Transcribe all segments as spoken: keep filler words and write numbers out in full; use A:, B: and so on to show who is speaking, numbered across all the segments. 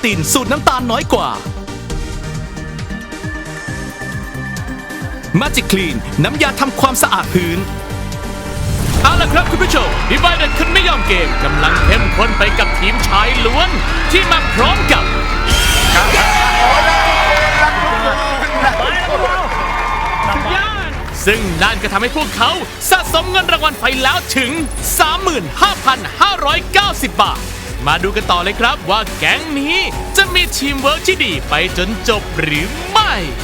A: ตินสูตรน้ำตาลน้อยกว่า Magic Clean น้ำยาทำความสะอาดพื้นเอาล่ะครับคุณผู้ชมดิวายเด็ดคุณไม่ยอมเกมกำลังเข้มข้นไปกับทีมชายล้วนที่มาพร้อมกับซึ่งนั่นก็ทำให้พวกเขาสะสมเงินรางวัลไปแล้วถึง สามหมื่นห้าพันห้าร้อยเก้าสิบ บาทมาดูกันต่อเลยครับว่าแก๊งนี้จะมีทีมเวิร์กที่ดีไปจนจบหรือไม่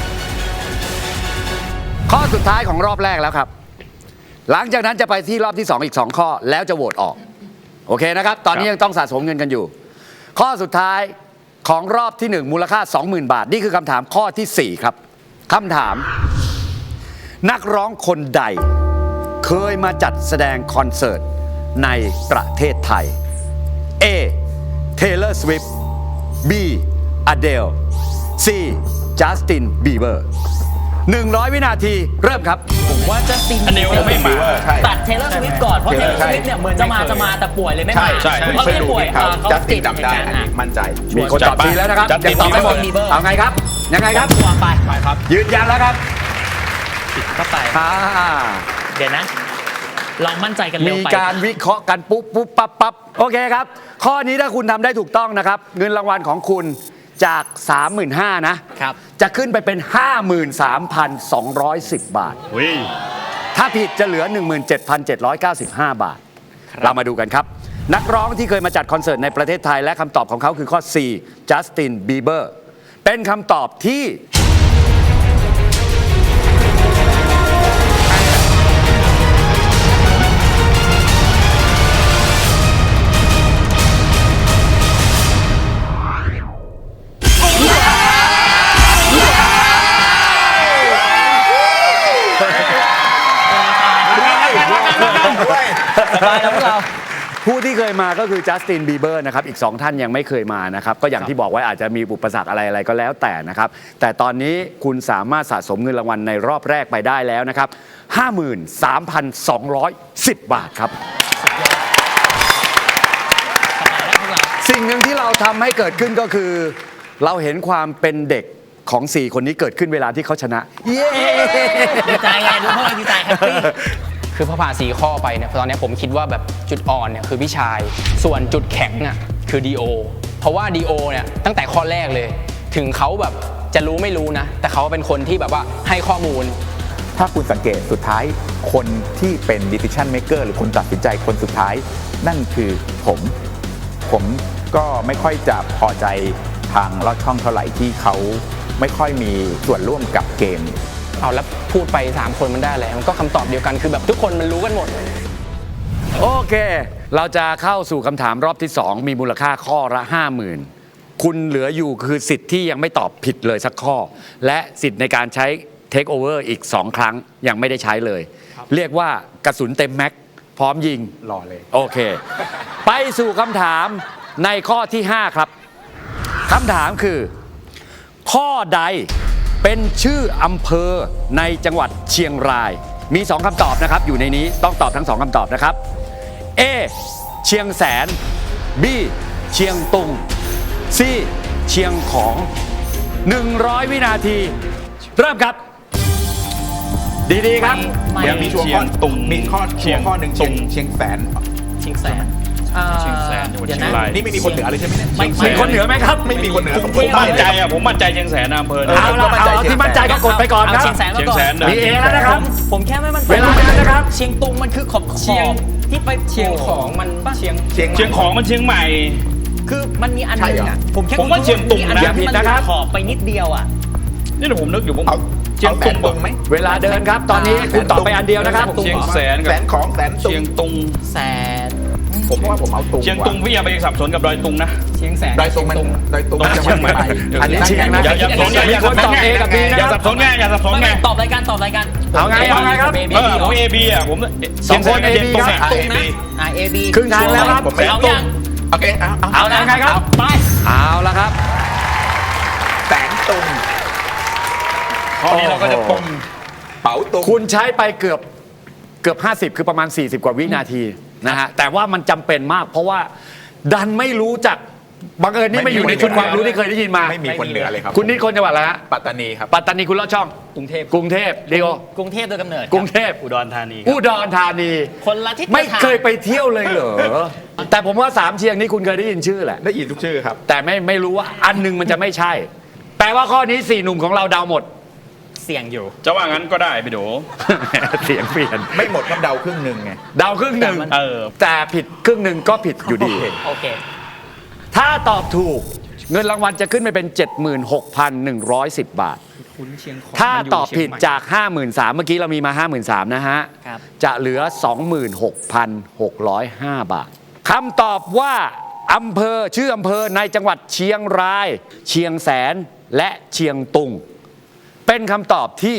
B: ข้อสุดท้ายของรอบแรกแล้วครับหลังจากนั้นจะไปที่รอบที่สองอีกสองข้อแล้วจะโหวตออกโอเคนะครับตอนนี้ยังต้องสะสมเงินกันอยู่ข้อสุดท้ายของรอบที่หนึ่งมูลค่า สองหมื่น บาทนี่คือคำถามข้อที่สี่ครับคำถามนักร้องคนใดเคยมาจัดแสดงคอนเสิร์ตในประเทศไทย A. Taylor Swift B. Adele C. Justin Bieber หนึ่งร้อยวินาทีเริ่มครับ
C: ผมว่าจัสติน
D: อันเดียวไม่มา
C: ตัดเทเลอร์สวิฟต์ก่อนเพราะเทเลอร์สวิฟต์เนี่ยเหมือนจะมาจะมาแต่ป่วยเลยไม่มา
D: ใช่ใช่
C: เพราะไม่ได้ป่วยเขาเขาติดจำได้
E: มั่นใจ
B: มีคนตอบทีแล้วนะครับยังตอบไม่หมดเอาไงครับยังไงครับ
C: ตัวไปไปครับ
B: ยืนยันแล้วครับ
C: ติดเข้าไปเดี๋ยวนะลองมั่นใจกันเร็วไป
B: มีการวิเคราะห์กันปุ๊บปุ๊บปั๊บปั๊บโอเคครับข้อนี้ถ้าคุณทำได้ถูกต้องนะครับเงินรางวัลของคุณจาก สามหมื่นห้าพัน นะครับจะขึ้นไปเป็น ห้าหมื่นสามพันสองร้อยสิบ บาทถ้าผิดจะเหลือ หนึ่งหมื่นเจ็ดพันเจ็ดร้อยเก้าสิบห้า บาทเรามาดูกันครับนักร้องที่เคยมาจัดคอนเสิร์ตในประเทศไทยและคำตอบของเขาคือข้อ C Justin Bieber เป็นคำตอบที่ผู้ที่เคยมาก็คือจัสตินบีเบอร์นะครับอีกสองท่านยังไม่เคยมานะครับก็อย่างที่บอกไว้อาจจะมีอุปสรรคอะไรอะไรก็แล้วแต่นะครับแต่ตอนนี้คุณสามารถสะสมเงินรางวัลในรอบแรกไปได้แล้วนะครับ ห้าหมื่นสามพันสองร้อยสิบ บาทครับสิ่งหนึ่งที่เราทำให้เกิดขึ้นก็คือเราเห็นความเป็นเด็กของสี่คนนี้เกิดขึ้นเวลาที่เขาชนะเย้
C: ดีใจไงดูพวกเราดีใจแฮปปี้
F: คือพอผ่านสี่ข้อไปเนี่ยตอนนี้ผมคิดว่าแบบจุดอ่อนเนี่ยคือพี่ชายส่วนจุดแข็งอ่ะคือดีโอเพราะว่าดีโอเนี่ยตั้งแต่ข้อแรกเลยถึงเขาแบบจะรู้ไม่รู้นะแต่เขาเป็นคนที่แบบว่าให้ข้อมูล
E: ถ้าคุณสังเกตสุดท้ายคนที่เป็น decision maker หรือคนตัดสินใจคนสุดท้ายนั่นคือผมผมก็ไม่ค่อยจะพอใจทางลอดช่องเท่าไหร่ที่เขาไม่ค่อยมีส่วนร่วมกับเกม
F: เอาแล้วพูดไปสามคนมันได้อะไรมันก็คำตอบเดียวกันคือแบบทุกคนมันรู้กันหมด
B: โอเคเราจะเข้าสู่คำถามรอบที่สองมีมูลค่าข้อละ ห้าหมื่น คุณเหลืออยู่คือสิทธิ์ที่ยังไม่ตอบผิดเลยสักข้อและสิทธิ์ในการใช้เทคโอเวอร์อีกสองครั้งยังไม่ได้ใช้เลยเรียกว่ากระสุนเต็มแม็กพร้อมยิง
E: รอเลย
B: โอเคไปสู่คำถามในข้อที่ห้าครับคำถามคือข้อใดเป็นชื่ออำเภอในจังหวัดเชียงรายมีสองคำตอบนะครับอยู่ในนี้ต้องตอบทั้งสองคำตอบนะครับ A เชียงแสน B เชียงตุง C เชียงของหนึ่งร้อยวินาทีเริ่มครับดีๆครับ
E: เดี๋ยวมีช่วงข้อตุงมีข้อเชียงข้อหนึ่งเชียงเชียงแสน
C: เชียงแสน
D: เชียงแสนจังหวัดเชียงราย
E: นี่ไม่มีคนเหนือเลยใช่ไหมเนี่ย
B: มีคนเหนือไหมครับ
E: ไม่มีคนเหนือผม
D: มั่นใจอ่ะผมมั่นใจเชียงแสนอำเภอ
B: เอาละเอาที่มั่นใจก็กดไปก่อนครับ
C: เชียงแสนก่อน
B: มีเอแล้วนะครับ
C: ผมแค่ไม่มั่นใจ
B: เวลาแล้วนะครับ
C: เชียงตุงมันคือขอบขอบที่ไป
F: เชียงของมัน
C: เชียง
D: เชียงของมันเชียงใหม่
C: คือมันมีอันนึงอ่ะผมแค่
D: ผมว่าเชียงตุงนะ
B: อย่าผิดนะครับ
C: ขอบไปนิดเดียวอ่ะ
D: นี่เดี๋ยวผมนึกอยู่ผม
E: เชียงตุงไหม
B: เวลาเดินครับตอนนี้คุณตอบไปอันเดียวนะครับ
D: เชียงแสน
E: แสนของแสนตุง
D: เชียงตุง
C: แสน
E: ผมว่าผมเอาตุง
D: เชียงตุงพี่อย่าไปสับสนกับดอยตุงนะ
C: เชียงแสน
E: ดอยตุงมันดอยตุง
D: เชียงใหม่
B: อันนี้เชียงนะ
D: อย่าสับสนอย่าสับสนอย่าสับสนไงอย่าสับสนไง
C: ตอบรายการตอบรายการ
B: เอาไงเอาไงครับ
D: เออผมเอบีอ่ะผม
B: สองคนเอบีครับ
C: ตุงนะอ่าเอบี
B: ครึ่งทางแล้วครับ
C: เอายัง
E: โอเคเอา
B: เอาแล้วไงครับ
C: ไป
B: เอาแล้วครับ
E: แสนตุง
D: ข้อนี้เราก็จะปม
E: เป๋าตุง
B: คุณใช้ไปเกือบเกือบห้าสิบคือประมาณสี่สิบกว่าวินาทีนะฮะแต่ว่ามันจำเป็นมากเพราะว่าดันไม่รู้จักบังเอิญนี่ไม่อยู่ในชุดความรู้ที่เคยได้ยินมา
E: ไม่มีคนเหนือเลยครับ
B: คุณนี่คนจังหวัดอะไรฮะ
E: ปัตตานีครับ
B: ปัตตานีคุณลอดช่อง
C: กรุงเทพ
B: กรุงเทพเดียว
C: กรุงเทพโดยกำเนิด
B: กรุงเทพ
D: อุดรธานี
B: อุดรธานี
C: คนละทิศ
B: ไม่
C: ละทาง
B: เคยไปเที่ยวเลยเหรอ แต่ผมว่าสามเชียงนี่คุณเคยได้ยินชื่อแหละ
E: ได้ยินทุกชื่อครับ
B: แต่ไม่ไม่รู้ว่าอันหนึงมันจะไม่ใช่ แปลว่าข้อนี้สี่หนุ่มของเราเดาหมด
C: เสี่ยงอยู่
D: จะว่างั้นก็ได้พี่โด
B: เสียงเปลี่ยน
E: ไม่หมดครับเดาครึ่งหนึ่งไง
B: เดาครึ่งหนึ่ง
D: เออ
B: แต่ผิดครึ่งหนึ่งก็ผิดอยู่ดี
C: โอเค
B: ถ้าตอบถูกเงินรางวัลจะขึ้นไปเป็น เจ็ดหมื่นหกพันหนึ่งร้อยสิบ บาท ถ้าตอบผิดจาก ห้าหมื่นสามพัน เมื่อกี้เรามีมา ห้าหมื่นสามพัน นะฮะ
C: ครับ
B: จะเหลือ สองหมื่นหกพันหกร้อยห้า บาทคำตอบว่าอำเภอชื่ออำเภอในจังหวัดเชียงราย เชียงแสนและเชียงตุง เป็นคำตอบที่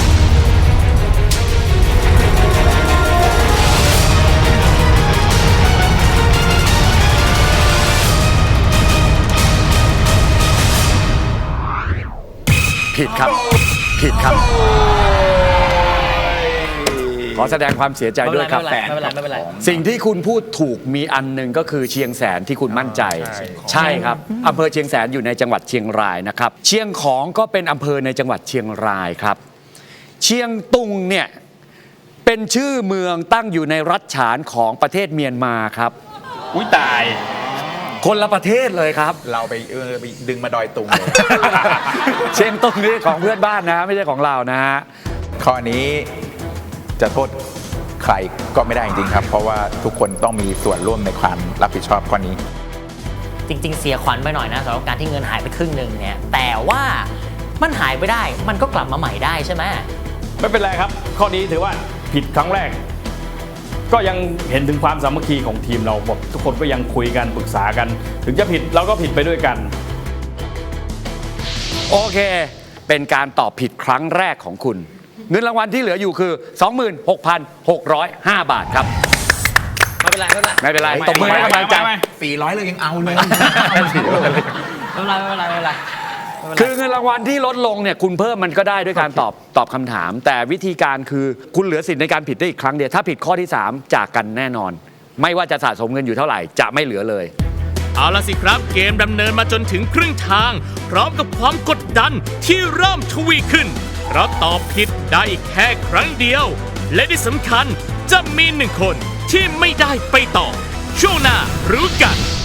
B: ผิดครับ ผิดครับ ขอแสดงความเสียใจด้วยครับ
C: ไม่เป็นไรไม่เป็นไรไม่เป็นไร
B: สิ่งที่คุณพูดถูกมีอันหนึ่งก็คือเชียงแสนที่คุณมั่นใจ ใช่ครับอำเภอเชียงแสนอยู่ในจังหวัดเชียงรายนะครับ เชียงของก็เป็นอำเภอในจังหวัดเชียงรายครับ เชียงตุงเนี่ยเป็นชื่อเมืองตั้งอยู่ในรัฐฉานของประเทศเมียนมาครับ
D: อุ้ยตาย
B: คนละประเทศเลยครับ
E: เราไปเออไปดึงมาดอยตุงเลย
B: เชียงตุงนี่ของเพื่อนบ้านนะไม่ใช่ของเรานะฮะ
E: ข้อนี้จะโทษใครก็ไม่ได้จริงๆครับ เพราะว่าทุกคนต้องมีส่วนร่วมในความรับผิดชอบข้อนี้
C: จริง ๆ เสียขวัญไปหน่อยนะสำหรับการที่เงินหายไปครึ่งหนึ่งเนี่ย แต่ว่ามันหายไปได้มันก็กลับมาใหม่ได้ใช่ไหม
D: ไม่เป็นไรครับ ข้อนี้ถือว่าผิดครั้งแรก ก็ยังเห็นถึงความสามัคคีของทีมเราแบบทุกคนก็ยังคุยกันปรึกษากัน ถึงจะผิดเราก็ผิดไปด้วยกัน
B: โอเค เป็นการตอบผิดครั้งแรกของคุณ เงินรางวัลที่เหลืออยู่คือ สองหมื่นหกพันหกร้อยห้า บาทครับ
C: ไม่เป็นไรไม่เป็นไร
B: ไม่เป็นไรตบมือให้กำลังใจ
E: สี่ร้อยเลยยังเอาเลย
C: ไม่เป็นไรไม่เป็นไรไม่เป็นไร
B: คือเงินรางวัลที่ลดลงเนี่ยคุณเพิ่มมันก็ได้ด้วยการตอบตอบคำถาม แต่วิธีการคือคุณเหลือสิทธิ์ในการผิดได้อีกครั้งเดียวถ้าผิดข้อที่ สาม จากกันแน่นอน ไม่ว่าจะสะสมเงินอยู่เท่าไหร่จะไม่เหลือเลย
A: เอาละสิครับเกมดำเนินมาจนถึงครึ่งทาง พร้อมกับความกดดันที่เริ่มทวีขึ้น เพราะตอบผิดได้อีกแค่ครั้งเดียว และที่สำคัญจะมีหนึ่งคนที่ไม่ได้ไปต่อ ช่วงหน้ารู้กัน